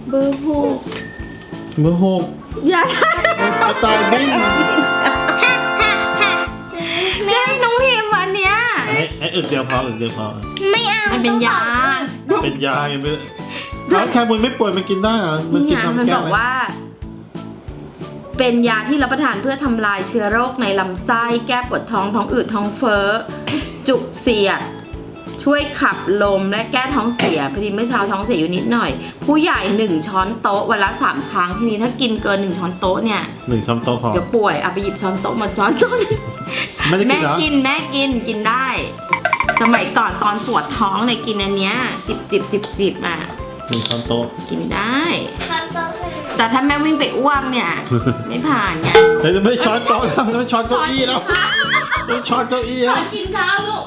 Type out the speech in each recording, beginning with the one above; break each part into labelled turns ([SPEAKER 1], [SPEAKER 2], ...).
[SPEAKER 1] เบอร์หก
[SPEAKER 2] เบอร์หก
[SPEAKER 1] อย่า
[SPEAKER 2] กระต่ายบิน
[SPEAKER 1] ไม่ให้น้องพิมพ์อันเนี้ย
[SPEAKER 2] ไอ้อึกเดียวพออึกเดียวพอ
[SPEAKER 3] ไม่เอา
[SPEAKER 1] มันเป็นยา
[SPEAKER 2] เป็นยาไงไม่แล้วแคมูลไม่ป่วยมันกินได้เหรอมัน
[SPEAKER 1] นี่
[SPEAKER 2] กิน
[SPEAKER 1] ไง
[SPEAKER 2] ทำ
[SPEAKER 1] มัน
[SPEAKER 2] แก้
[SPEAKER 1] บอก
[SPEAKER 2] อะไร
[SPEAKER 1] ว่า เป็นยาที่รับประทานเพื่อทำลายเชื้อโรคในลำไส้แก้ปวดท้องท้องอืดท้องเฟ้อจุกเสียดช่วยขับลมและแก้ท้องเสียพอดีเมื่อเช้าท้องเสียอยู่นิดหน่อย ผู้ใหญ่1 ช้อนโต๊ะวันละ3 ครั้งทีนี้ถ้ากินเกิน1 ช้อนโต๊ะเนี่ย
[SPEAKER 2] 1 ช้อนโต๊ะพอ
[SPEAKER 1] เดี๋ยวป่วยเอาไปหยิบช้อนโต๊ะมาช้อนโต๊ะ
[SPEAKER 2] ไม่ได้กิ
[SPEAKER 1] แม่
[SPEAKER 2] นเหรอ
[SPEAKER 1] กินแม่กินได้ สมัยก่อนตอนปวดท้องเนี่ยกินอันเนี้ยจิบอ่ะ
[SPEAKER 2] 1 ช้อนโต๊ะ
[SPEAKER 1] กินได้
[SPEAKER 3] ครับโต๊ะ
[SPEAKER 1] แต่ถ้าแม่วิ่งไปอ้วกเนี่ย ไม่ผ่านเนี่ย
[SPEAKER 2] เดี๋ยวจะไม่ช้อนโต๊ะแล้วไม่ช้อนเก้าอี้แล้วไม่ช้อนเก้าอี้
[SPEAKER 1] ช้
[SPEAKER 2] แล้
[SPEAKER 1] อ
[SPEAKER 2] วน
[SPEAKER 1] กินข้าวลูก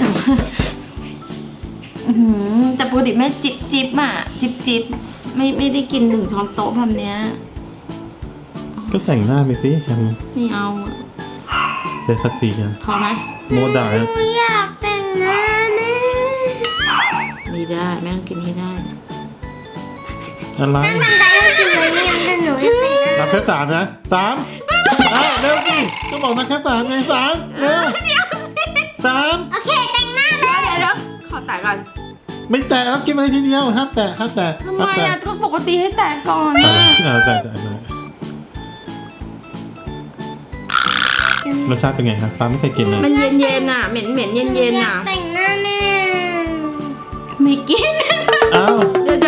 [SPEAKER 1] แต่ปกติแม่จิบอ่ะจิบไม่ได้กิน1 ช้อนโต๊ะแบบเนี้ย
[SPEAKER 2] ก็แต่งหน้าไปสิแคมูล
[SPEAKER 1] ไม่เอาอะ
[SPEAKER 2] เสร็จสักทีกัน
[SPEAKER 1] พอไหม
[SPEAKER 2] โมด่า
[SPEAKER 3] หนูอยากแต่งหน้าแม่
[SPEAKER 1] ไม่ได้แม่ต้องกินให้ได้นะ
[SPEAKER 2] อะไร
[SPEAKER 3] ถ้าทำได้ก็กินเลยไม่งั้นหนูอยากแต่งหน้า
[SPEAKER 2] นับแค่3นะ3เร็วสิก็บอกนับแค่3ไง3เร็ว3
[SPEAKER 3] โอเคแต่งหน้าเลย
[SPEAKER 1] เดี๋ยวขอแตะก่อน
[SPEAKER 2] ไม่แตะแล้วกินอะไรทีเดียวห้ามแตะ
[SPEAKER 1] ทำไมอ่ะก็ปกติให้แตะก่อน
[SPEAKER 2] แตะ
[SPEAKER 1] นะ
[SPEAKER 2] แตะรสชาติเป็นไงครับฟ้าไม่เคยกินเลย
[SPEAKER 1] มันเย็นๆอ่ะเหม็นเย็น
[SPEAKER 3] อ
[SPEAKER 1] ๆ
[SPEAKER 3] ยา
[SPEAKER 1] อ่ะ
[SPEAKER 3] กแต่งหน้าแม่
[SPEAKER 1] ไม่กิน
[SPEAKER 2] อ้าว
[SPEAKER 1] เดี๋ยว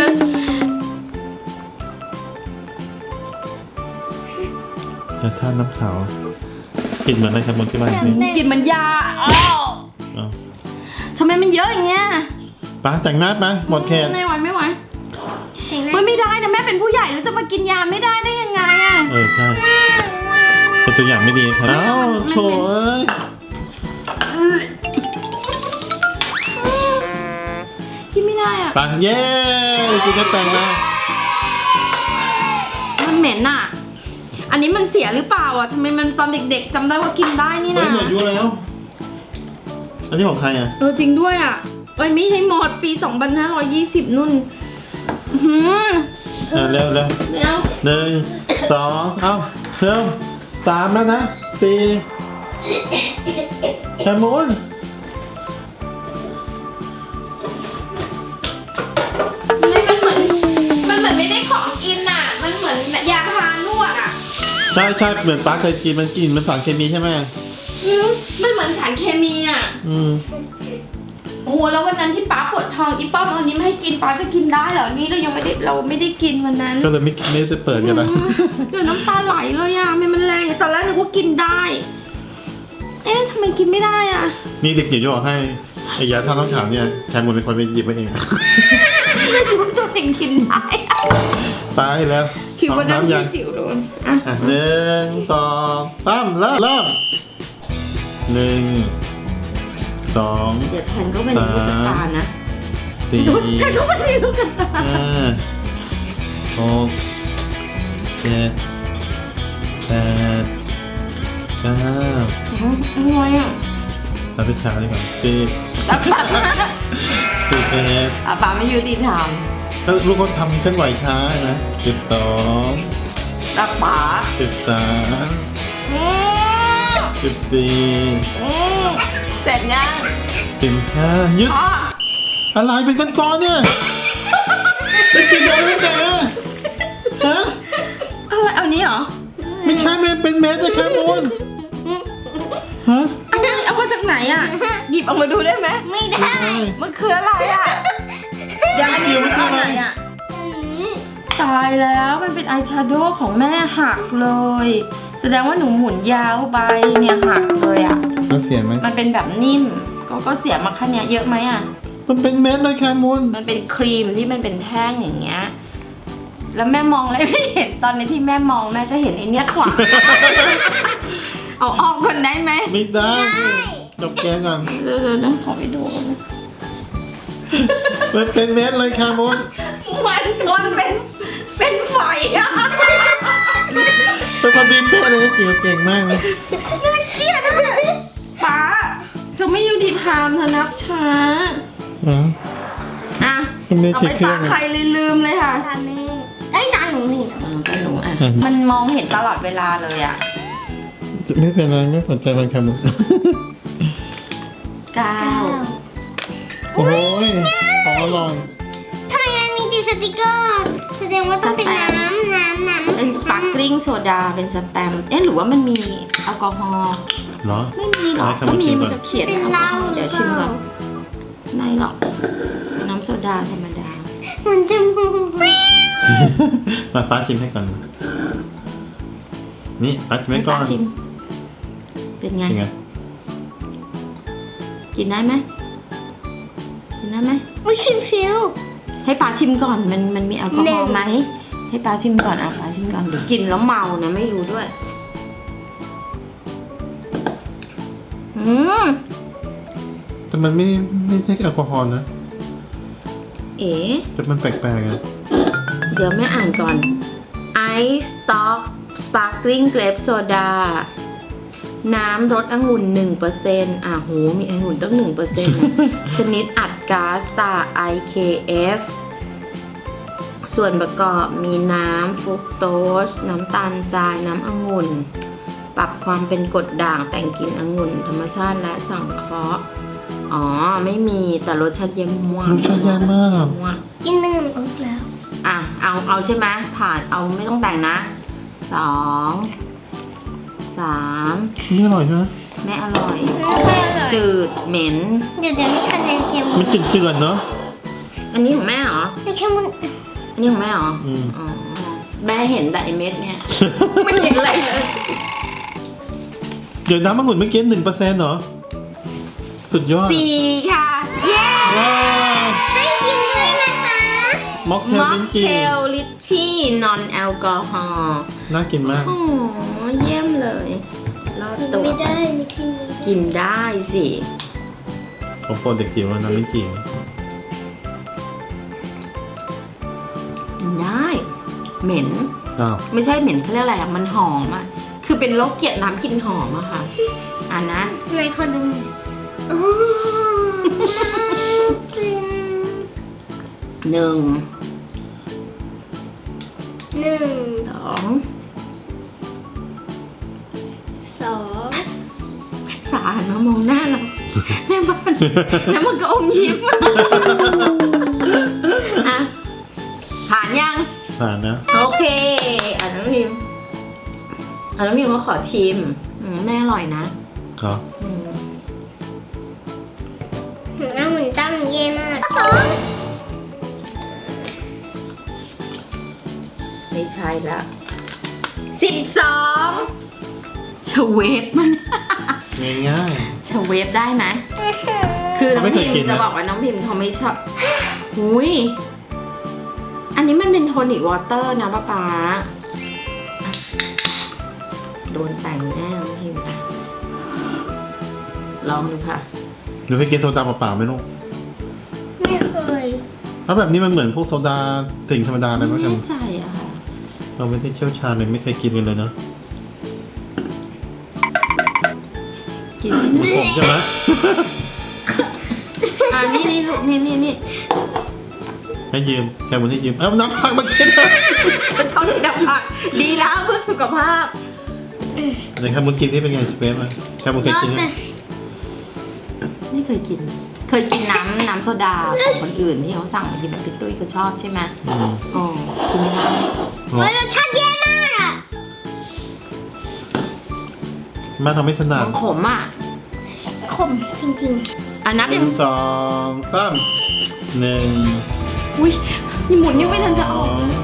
[SPEAKER 2] แต่ถ้าน้ำขาวกินเหมือนอะไรครับบนที่บ้านนี่
[SPEAKER 1] กินมันยาอ้าว
[SPEAKER 2] อ้าว
[SPEAKER 1] ทำไมมันเยอะอย่างเงี้ย
[SPEAKER 2] ป้าแต่งหน้าปะหมดแขน
[SPEAKER 1] ไม่ไหว
[SPEAKER 3] แต่งหน้า
[SPEAKER 1] เฮ้ยไม่ได้นะแม่เป็นผู้ใหญ่แล้วจะมากินยาไม่ได้ได้ยังไงอ่ะ
[SPEAKER 2] ใช่เป็นตัวอย่างไม่ดีครับอ้าวโถเอ้ย
[SPEAKER 1] กินไม่ได้อ่ะ
[SPEAKER 2] ไป้าเย้กินก็แต่งนะ
[SPEAKER 1] มันเหม็นอ่ะ อันนี้มันเสียหรือเปล่าอ่ะทำไมมันตอนเด็กๆจำได้ว่ากินได้นี่
[SPEAKER 2] เฮ้ย
[SPEAKER 1] นะ
[SPEAKER 2] หมดอายุแล้ว อันนี้ของใครอ่ะ
[SPEAKER 1] จริงด้วยอ่ะเอ้ยไม่ใช่หมดปี 2520 นุ่นหืม
[SPEAKER 2] เร็ว
[SPEAKER 1] เดี๋ยว
[SPEAKER 2] 1 2เอ้าเร็ว3แล้วนะ4แคมูล
[SPEAKER 1] มันเหมือนไม่ได้ของกินอ่ะ มันเหมือนยาทานวดอ่ะ
[SPEAKER 2] ใช่เหมือนป้าเคยกินมันกินมันสารเคมีใช่ไหม
[SPEAKER 1] มันเหมือนสารเคมีอ่ะ
[SPEAKER 2] อืม
[SPEAKER 1] โอ้โหแล้ววันนั้นที่ป้าปวดท้องอีป้อมเอาอันนี้ไม่ให้กินป้าจะกินได้เหรอ นี่เรายังไม่ได้กินวันนั้น
[SPEAKER 2] ก็เลยไม่ได้เปิดกันนะ
[SPEAKER 1] เดี๋ยวน้ำตาไหลเลยอ่ะมันแรงตอนแรกนึกว่ากินได้ เอ๊ะทำไมกินไม่ได้อ่ะ
[SPEAKER 2] นี่เด็กจิ๋วจะบอกให้ไอ้ยาท่าต้องถามเนี่ยแคมูลเป็นคนไปหยิบมาเองนะ
[SPEAKER 1] ไม่คิดว่าตัวเองกินได้
[SPEAKER 2] ตายแล้ว
[SPEAKER 1] คิดว่านั้น
[SPEAKER 2] ยัง
[SPEAKER 1] จิ๋วโดนอ่ะ
[SPEAKER 2] 1 2 3เริ่ม1 2
[SPEAKER 1] เดี๋ยวแทนก็เป็นลูกตานะ
[SPEAKER 2] 4
[SPEAKER 1] แทนก็เป็นลูกตา
[SPEAKER 2] 5 6 7 8 9
[SPEAKER 1] อะไรอ่ะ
[SPEAKER 2] เราไปช้าดีกว่า10
[SPEAKER 1] แล้วป้า
[SPEAKER 2] 11
[SPEAKER 1] ป้าไม่ยุติธรรม
[SPEAKER 2] แล้วลูกก็ทำเคลื่อนไหวช้านะ12
[SPEAKER 1] แล้วป้า
[SPEAKER 2] 13
[SPEAKER 1] อืม
[SPEAKER 2] 14
[SPEAKER 1] เสร็จยัง
[SPEAKER 2] 15หยุด
[SPEAKER 1] พ่อ
[SPEAKER 2] อะไรเป็นก้อนๆเนี่ยไม่กินเลยไม่แกฮะ
[SPEAKER 1] อะไรเอานี้เหรอ
[SPEAKER 2] ไม่ใช่เป็นเม็ดนะแคมูลฮะ
[SPEAKER 1] อะไรเอามาจากไหนอ่ะ หยิบออกมาดูได้ไหม
[SPEAKER 3] ไม่ได้
[SPEAKER 1] มันคืออะไรอ่ะเดี๋ยวอันนี้มันคืออะไรอ่ะ ตายแล้วมันเป็นอายแชโดว์ของแม่หักเลย แสดงว่าหนูหมุนยาวไปเนี่ยหักเลยอ่ะ
[SPEAKER 2] มันเสียไหม
[SPEAKER 1] มันเป็นแบบนิ่ม ก็เสียมาแค่เนี้ยเยอะไหมอ่ะ
[SPEAKER 2] มันเป็นเม็ดเลยแคมูล
[SPEAKER 1] มันเป็นครีมที่มันเป็นแท่งอย่างเงี้ย แล้วแม่มองอะไรไม่เห็นตอนนี้ที่แม่มองแม่จะเห็นไอ้เนี้ยขวาง เอาออกก่อนได้ไหม
[SPEAKER 2] ไม่ได้จบแกงก่อน
[SPEAKER 1] เดี๋ยวนะขอไปดูก่อนนะ
[SPEAKER 2] มันเป็นเม็ดเลยแคมูล
[SPEAKER 1] มันเป็นไฟอะ
[SPEAKER 2] เป็นคนดีเพื่อนเลยจิ๋วเก่งมากเลย
[SPEAKER 1] เกลียดอะป้าเธอไม่ยุติธรรมเธอนับช้า
[SPEAKER 2] อ๋อ
[SPEAKER 1] อ่ะ
[SPEAKER 2] มันไม่
[SPEAKER 1] เอา
[SPEAKER 2] ติ
[SPEAKER 1] ไป
[SPEAKER 2] ดเครื่
[SPEAKER 1] ตา
[SPEAKER 2] อง
[SPEAKER 1] ใครลืมเลยค่ะ
[SPEAKER 3] ทำแม่
[SPEAKER 1] มันมองเห็นตลอดเวลาเลยอ่ะ
[SPEAKER 2] ไม่เป็นไรไม่สนใจมันแคมุน
[SPEAKER 1] 9
[SPEAKER 2] โอ้ยของอร่อย
[SPEAKER 3] ทำไมมันมีติดสติกเกอร์แสดงว่าต้องเป็นน้ำ
[SPEAKER 1] เป็นสปาร์คลิงโซดาเป็นสแตมป์หรือว่ามันมีแอลกอฮอล์
[SPEAKER 2] เหรอ
[SPEAKER 1] ไม่มีหรอก
[SPEAKER 2] ให้
[SPEAKER 1] ก็
[SPEAKER 2] เขามา
[SPEAKER 1] มี
[SPEAKER 2] ชิมก่
[SPEAKER 1] มั
[SPEAKER 2] อน
[SPEAKER 1] นจะเขียน
[SPEAKER 3] เป็น
[SPEAKER 1] แอล
[SPEAKER 3] เห
[SPEAKER 1] กอ
[SPEAKER 3] ล้า
[SPEAKER 1] ฮอล์เดี๋ยวชิมก่อนไม่หรอกน้ำโซดาธรรมดา
[SPEAKER 3] มันจะมู
[SPEAKER 2] มาป้าชิมให้ก่อนนี่ป้าชิมให้ก่อน
[SPEAKER 1] ป้าชิมเป็นไง
[SPEAKER 2] เป็นไง
[SPEAKER 1] กินได้ไหมกินได้ไหม
[SPEAKER 3] อุ้ยชิว
[SPEAKER 1] ให้ป้าชิมก่อนมันมีแอลกอฮอล์ไหมให้ป้าชิมก่อนป้าชิมก่อนเดี๋ยวกินแล้วเมานะไม่รู้ด้วยม
[SPEAKER 2] แต่มันไม่ใช่แอลกอฮอล์นะ
[SPEAKER 1] เอ๋
[SPEAKER 2] แต่มันแปลกๆอ่ะ
[SPEAKER 1] เดี๋ยวแม่อ่านก่อน Ice Stock Sparkling Grape Soda น้ำรสองุ่น 1%โหมีองุ่นตั้ง 1% ชนิดอัดก๊าซตา IKF ส่วนประกอบมีน้ำฟรุกโตส น้ำตาลทราย น้ำองุ่น ปรับความเป็นกรดด่างแต่งกลิ่นองุ่น ธรรมชาติและสังเคราะห์อ๋อ ไม่มีแต่รสชาติเยี่ยมมาก
[SPEAKER 2] รสชาติแย่มาก
[SPEAKER 3] ๆกินเป็นน้ำอบแล้ว
[SPEAKER 1] เอาใช่ไหมผ่านเอาไม่ต้องแต่งนะ2 3
[SPEAKER 2] ไม่อร่อยใช่ไหม
[SPEAKER 1] ไม่อร่อย
[SPEAKER 3] ไม่ค่อยอร่อย
[SPEAKER 1] จืดเหม็น
[SPEAKER 3] เดี๋ยวมีคะแนนเค็ม
[SPEAKER 2] มันจืดๆเนาะ
[SPEAKER 1] อันนี้ของแม่เหรอ
[SPEAKER 3] แต่เค็มมัน
[SPEAKER 1] อันนี้ของแม่เหรอ
[SPEAKER 2] อืม
[SPEAKER 1] อ๋อแม่เห็นแต่ไอเม็ดเนี่ย ไม่เห็นอะไรเลย
[SPEAKER 2] เดี๋ยวน้ำมะกรูดเมื่อกี้1%เหรอ สุดยอด
[SPEAKER 1] 4 ค่ะ เย้
[SPEAKER 2] ว้าว
[SPEAKER 3] ให้กินเลยนะคะ
[SPEAKER 2] ม็อกเทล
[SPEAKER 1] ม็อก
[SPEAKER 2] ลิ้น
[SPEAKER 1] เท
[SPEAKER 2] จี่
[SPEAKER 1] ลลิชชี่นอนแอลกอฮอล์
[SPEAKER 2] น่ากินมาก
[SPEAKER 1] โอ้เยี่ยมเลยรอด
[SPEAKER 3] กิน
[SPEAKER 1] ตัว
[SPEAKER 3] ไม่ได้นี่กินไม่ได้
[SPEAKER 1] กินได้สิ
[SPEAKER 2] ของโปรดเด็กจิ๋วน้ำลิ้นจี่
[SPEAKER 1] กินได้ เหม็น
[SPEAKER 2] อ้าว
[SPEAKER 1] ไม่ใช่เหม็นเขาเรียกอะไรอะมันหอมอะคือเป็นโรคเกลียดน้ำกลิ่นหอมอะค่ะนะ
[SPEAKER 3] ในคนหนึ่งโอ้กิน
[SPEAKER 1] 1
[SPEAKER 3] หนึ่ง
[SPEAKER 1] 2
[SPEAKER 3] สอง
[SPEAKER 1] สารมามองหน้าเราแม่บ้านแล้วมันก็อมยิ้มอะผ่านยัง
[SPEAKER 2] ผ่านนะ
[SPEAKER 1] โอเคน้องพิมน้องพิมก็ขอชิมแม่อร่อยนะ
[SPEAKER 2] ครับ
[SPEAKER 1] อืม
[SPEAKER 3] น้ำเหมือนตั้งเย่มากสอง
[SPEAKER 1] ไม่ใช่ละ12ชเวฟมัน
[SPEAKER 2] ง่าย
[SPEAKER 1] ชเวฟได้ไหมคือน้อง
[SPEAKER 2] ไม่เค
[SPEAKER 1] พิ
[SPEAKER 2] ย
[SPEAKER 1] ม
[SPEAKER 2] กินนะ
[SPEAKER 1] จะบอกว่าน้องพิมเขาไม่ชอบหุยอันนี้มันเป็นโทนิกวอเตอร์นะป๊าโดนแต่งแน่น้องพิมค่ะลองดูค่ะ
[SPEAKER 2] ๆหรือไปกินโซดาเปล่าๆไหมลูก
[SPEAKER 3] ไม่เคย
[SPEAKER 2] แล้วแบบนี้มันเหมือนพวกโซดาสิ่งธรรมดาเลย
[SPEAKER 1] ไม่
[SPEAKER 2] มั้งครับ
[SPEAKER 1] แน่ใจอะค่ะ
[SPEAKER 2] เราไม่ได้เชี่ยวชาญเลยไม่เคยกินกันเลยเนาะ
[SPEAKER 1] กิน
[SPEAKER 2] ผมใช่ไหม
[SPEAKER 1] นี่ลูกนี่
[SPEAKER 2] ให้ยืมแค่วันที่ยืมเอาน้ำผักมากินเลย
[SPEAKER 1] ชอบกินน้ำผักดีแล้วเพื่อสุขภาพ
[SPEAKER 2] ไหนครับมึงกินที่เป็นไงสเปซไหมแค่มึงเคยกินไหม
[SPEAKER 1] ไม่เคยกิน เคยกินน้ำโซดาของคนอื่นที่เขาสั่งมากินแบบพี่ตุ้ยเขาชอบใช่ไหม
[SPEAKER 2] อืม
[SPEAKER 1] อ๋อกินไม่ได้
[SPEAKER 3] เฮ้ยรสชาติแย่มากอ่ะ
[SPEAKER 2] มาทำไม่ถนัด
[SPEAKER 1] มันขมอ่ะ
[SPEAKER 3] ขมจริง
[SPEAKER 1] อ่ะนับ
[SPEAKER 2] ห
[SPEAKER 1] ยั
[SPEAKER 2] นึ่
[SPEAKER 1] ง
[SPEAKER 2] งสองสามหนึ่ง
[SPEAKER 1] อุ้ยยี่หมุนยังไม่ทันจะ
[SPEAKER 2] ส
[SPEAKER 1] อ
[SPEAKER 2] อ
[SPEAKER 1] อก
[SPEAKER 2] ง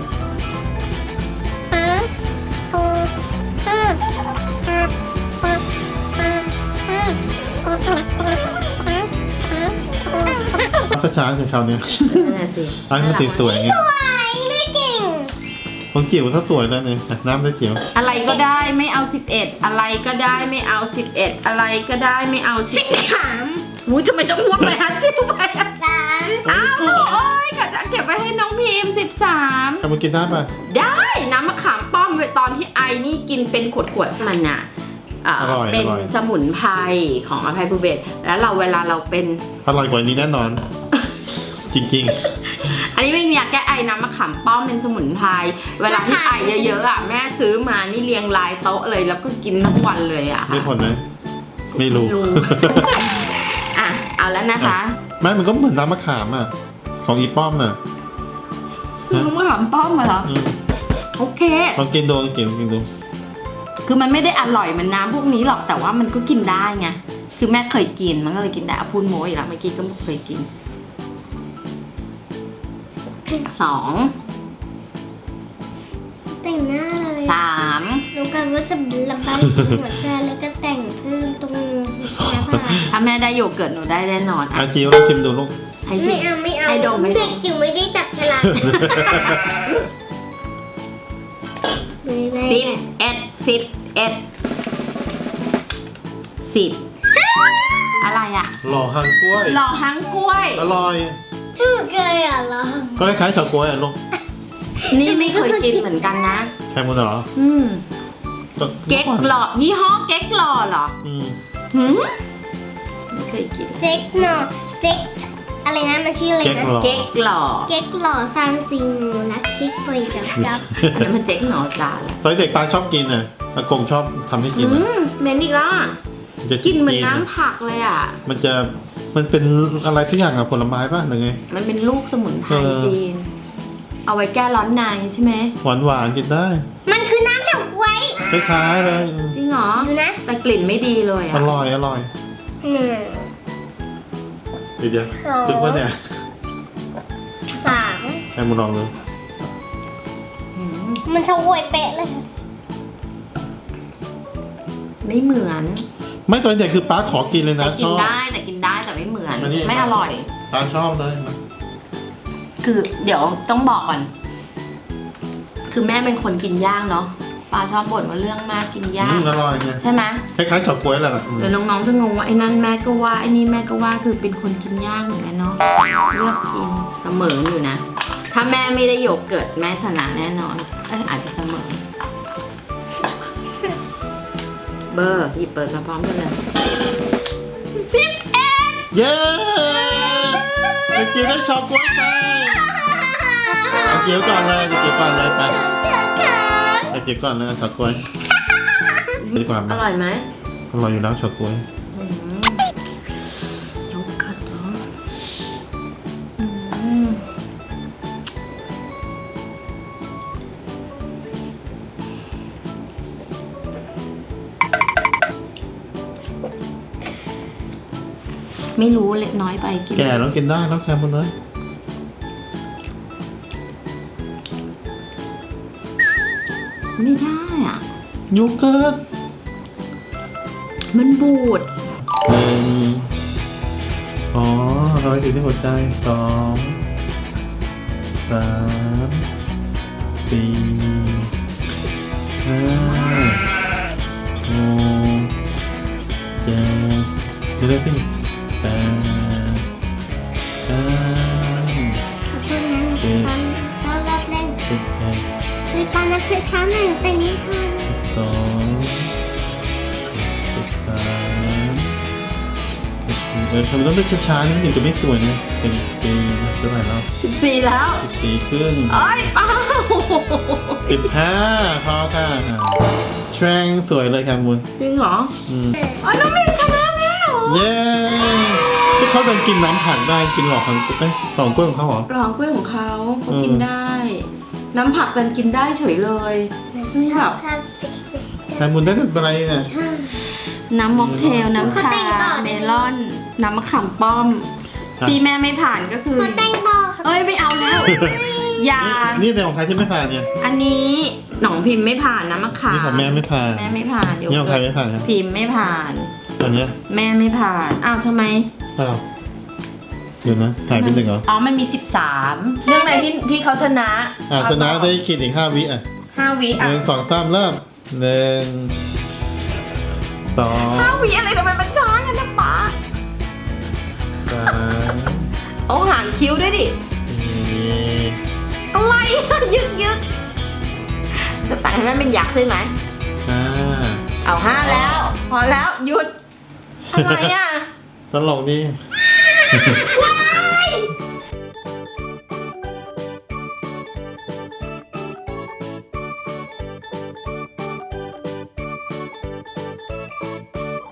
[SPEAKER 2] เอาช้าๆสิคราวเนี้ย
[SPEAKER 1] นั่นแหละสิ
[SPEAKER 2] อันนี้สวยๆไง
[SPEAKER 3] ๆสวยไม่เก่ง
[SPEAKER 2] ของจิ๋วถ้าสวยแล้วเนี่ยน้ำได้จิ๋ว
[SPEAKER 1] อะไรก็ได้ไม่เอา11อะไรก็ได้ไม่เอา11อะไรก็ได้ไม่เอา10
[SPEAKER 3] สาม
[SPEAKER 1] อุ้ยทำไมต้องพูดไปฮะชิบไปอะ
[SPEAKER 3] สาม
[SPEAKER 1] อ้าวโอ้ยกะจะเก็บไว้ให้น้องพิมพ์13
[SPEAKER 2] ทำมากินได้ป่ะ
[SPEAKER 1] ได้น้ำมะขามป้อมไว้ตอนที่ไอนี่กินเป็นขวดๆมันน่ะเป็นสมุนไพรของอภัยภูเบศรแล้วเราเวลาเราเป็น
[SPEAKER 2] อร่อยกว่านี้แน่นอน จริง
[SPEAKER 1] อันนี้เป็นยาแก้ไอน้ำมะขามป้อมเป็นสมุนไพรเวลาที่ไอเยอะๆอ่ะแม่ซื้อมานี่เรียงรายโต๊ะเลยแล้วก็กินทั้งวันเลยอ่ะ
[SPEAKER 2] มีผลไหมไม่รู้
[SPEAKER 1] อ่ะเอาแล้วนะคะ
[SPEAKER 2] ไม่มันก็เหมือนน้ำมะขามอ่ะของอีป้อมน่ะ
[SPEAKER 1] น้ำมะขามป้อมเหรอ
[SPEAKER 2] อืม
[SPEAKER 1] โอเค
[SPEAKER 2] ลองกินดูลองกินดู
[SPEAKER 1] คือมันไม่ได้อร่อยเหมันน้ำพวกนี้หรอกแต่ว่ามันก็กินได้ไงคือแม่เคยกินมันก็เลยกินได้เอาพูดโม้อีกแล้วเมื่อกี้ก็เคยกิน 2
[SPEAKER 3] แต่งหน้าเลย
[SPEAKER 1] 3
[SPEAKER 3] รู้กันว่าจะระบายสีหัวใจแล้วก็แต่งเพิ่มตรงหน้าผาก
[SPEAKER 1] ถ้าแม่ได้โยเกิร์ตหนูได้แน่นอน
[SPEAKER 2] อาจิ๋วลองชิมดูลูก
[SPEAKER 1] ให้สิ
[SPEAKER 3] ไม่เอา
[SPEAKER 1] ให้ดมให้ดม
[SPEAKER 3] เด็กจิ๋วไม่ได้จับฉลาก
[SPEAKER 1] 10 อะไรอ่ะ
[SPEAKER 2] หล่อหางกล้วย
[SPEAKER 1] หล่อหังกล้วย
[SPEAKER 2] อร่อย
[SPEAKER 3] ถูกเลยอ่ะเหรอ
[SPEAKER 2] ก็คล้ายๆเฉาก๊วยอ่ะลูก
[SPEAKER 1] นี่ไม่เคยกินเหมือนกันนะ
[SPEAKER 2] แค่มันเหรอ
[SPEAKER 1] เก๊กหล่อยี่ห้อเก๊กหล่อเหรอ
[SPEAKER 2] อืม
[SPEAKER 1] หืมไม่เคยกินเลย
[SPEAKER 3] เจ๊กหน่อเจ๊กอะไรนะมันชื่ออะไร
[SPEAKER 2] เก๊ก
[SPEAKER 3] นะ
[SPEAKER 2] หล่อ
[SPEAKER 1] เก๊กหล่อ
[SPEAKER 3] เก๊กหล่อซานซิงนักคิกไปกับจับ
[SPEAKER 1] อันนั้นมันเจ๊กหนอจานแหละ
[SPEAKER 2] ตอนเด็กปลาชอบกินอ่ะอากงชอบทำให้กิน
[SPEAKER 1] เหม็นอีกแล้วอะ
[SPEAKER 2] จะ
[SPEAKER 1] กินเหมือนน้ำผักเลยอ่ะ
[SPEAKER 2] มันเป็นอะไรทุกอย่างอะผลไม้ป่ะหรือไง
[SPEAKER 1] มันเป็นลูกสมุนไพร
[SPEAKER 2] เออ
[SPEAKER 1] จีน เอาไว้แก้ร้อนในใช่ไหม
[SPEAKER 2] หวานกินได้
[SPEAKER 3] มันคือน้ำเฉาก๊วย
[SPEAKER 2] คล้ายๆเลย
[SPEAKER 1] จริงเหรอ
[SPEAKER 3] ดูนะ
[SPEAKER 1] แต่กลิ่นไม่ดีเลย
[SPEAKER 2] อ
[SPEAKER 1] อ่ะ
[SPEAKER 2] ร่อย
[SPEAKER 3] 1
[SPEAKER 2] เดี๋ยวถึงว่าเนี่ย
[SPEAKER 3] 3
[SPEAKER 2] ให้มึงลองดู
[SPEAKER 1] อืม
[SPEAKER 3] มันเฉาก๊วยเป๊ะเลย
[SPEAKER 1] ไม่เหมือน
[SPEAKER 2] ไม่ตอนเด็กคือป้าขอกินเลย
[SPEAKER 1] แต่
[SPEAKER 2] นะ
[SPEAKER 1] กิ
[SPEAKER 2] ช
[SPEAKER 1] น
[SPEAKER 2] อบ
[SPEAKER 1] ได้แต่กินได้แต่ไม่เหมือน
[SPEAKER 2] อันนี้
[SPEAKER 1] ไม่อร่อย
[SPEAKER 2] ป้าชอบเลยมัน
[SPEAKER 1] คือเดี๋ยวต้องบอกก่อน คือแม่เป็นคนกินย่างเนาะปาชอบบ่นว่าเรื่องมากกินย่าง
[SPEAKER 2] อร่อยไง
[SPEAKER 1] ใช่ไหม
[SPEAKER 2] คล้ายๆเฉาก๊วยแหละ
[SPEAKER 1] เดี๋ยวน้องๆจะงงว่าไอ้นั่นแม่ก็ว่าไอ้นี่แม่ก็ว่าคือเป็นคนกินย่างเหมือนกันเนาะเลือกกินเสมออยู่นะ ถ้าแม่ไม่ได้โยเกิร์ตแม่ชนะแน่นอนอาจจะเสมอ เบอร์หยิบเปิดมาพร้อมกันเลย11
[SPEAKER 2] เย้ไอจิ๋วได้เฉาก๊วยไปไอจิ๋วก่อนเลยไอจิ๋วก่อนเลยไปไอจิ๋วก่อนเลยเฉาก๊วยดีกว่าไหม
[SPEAKER 1] อร่อยไหม
[SPEAKER 2] อร่อยอยู่แล้วเฉาก๊วย
[SPEAKER 1] อืมโยเกิร์ตเหรออืมไม่รู้เล็กน้อยไปกิน
[SPEAKER 2] แก่แล้วกินได้แล้วแค่หมดเลย
[SPEAKER 1] ไม่ได้อ่ะ
[SPEAKER 2] โยเกิร์ต
[SPEAKER 1] มันบูด
[SPEAKER 2] 1อ๋อร้อยถึงที่หัวใจ2 3 4 5 6 7เรื่อยๆขึ้น8 9
[SPEAKER 3] ขอโทษนะตอนแรกเล่น
[SPEAKER 2] 10
[SPEAKER 3] คือตอนนั้นคือช้าหนึ่งแต่นี้ค่ะ
[SPEAKER 2] ทำไมต้องเลือกช้าๆนี่ถึงจะไม่สวยเนี่ยเป็นปีเท่าไหร่แล้ว
[SPEAKER 1] 14 แล้ว
[SPEAKER 2] 14ครึ่ง
[SPEAKER 1] เอ้ยเป้า
[SPEAKER 2] 15พอค่ะแทรงสวยเลยค่ะมุน
[SPEAKER 1] จริงเหรอ
[SPEAKER 2] อืม
[SPEAKER 1] อ๋อน้องเมย์ชนะแล้ว
[SPEAKER 2] เย้ที่เขาเดินกินน้ำผักได้กินหลอกของหลอกกล้วยของเขาเหรอ
[SPEAKER 1] รองกล้วยของเขาเขากินได้ น้ำผักกันกินได้เฉยเลย ซึ่งแบบ
[SPEAKER 2] แต่มุนได้เป็นอะไรเนี่ย
[SPEAKER 1] น้ำม็อกเทล น้ำชา เมลอน น้ำมะขามป้อมซีแม่ไม่ผ่านก็คือ
[SPEAKER 3] ขอแต่งต่อค่ะ
[SPEAKER 1] เอ้ยไม่เอาแล้ว ยา
[SPEAKER 2] นี่ในของใครที่ไม่ผ่านเนี่ย
[SPEAKER 1] อันนี้หนองพิมพ์ไม่ผ่านน้ำมะขาม
[SPEAKER 2] นี่ของแม่ไม่ผ่าน
[SPEAKER 1] แม่ไม่ผ่านโย
[SPEAKER 2] นี่ของใคร
[SPEAKER 1] เกิร์ต
[SPEAKER 2] ไม่ผ่านครับ
[SPEAKER 1] พิมพ์ไม่ผ่าน
[SPEAKER 2] อันเนี้ย
[SPEAKER 1] แม่ไม่ผ่าน อ้าวทำไม
[SPEAKER 2] อ้าวเดี๋ยวนะถ่ายเป็นหนึ่งเหรอ
[SPEAKER 1] อ๋อ มันมี 13 เรื่องอะไรที่เขาชนะ
[SPEAKER 2] ชนะได้กินอีก5 วิอ่ะ
[SPEAKER 1] 5 วิ
[SPEAKER 2] ห
[SPEAKER 1] อ่ะ
[SPEAKER 2] นึ่งสองสามเริ่ม1 2
[SPEAKER 1] 5 วิอะไรทำไมมันช้ากันนะป๊า
[SPEAKER 2] 3
[SPEAKER 1] เอาหางคิ้วด้วยดิ
[SPEAKER 2] 4
[SPEAKER 1] อะไรอะยึกจะแต่งให้แม่เป็นยักษ์ใช่ไหม
[SPEAKER 2] 5
[SPEAKER 1] เอา5แล้ว พอแล้วหยุด อะไรอ่ะ
[SPEAKER 2] ตลกดี
[SPEAKER 1] ว้า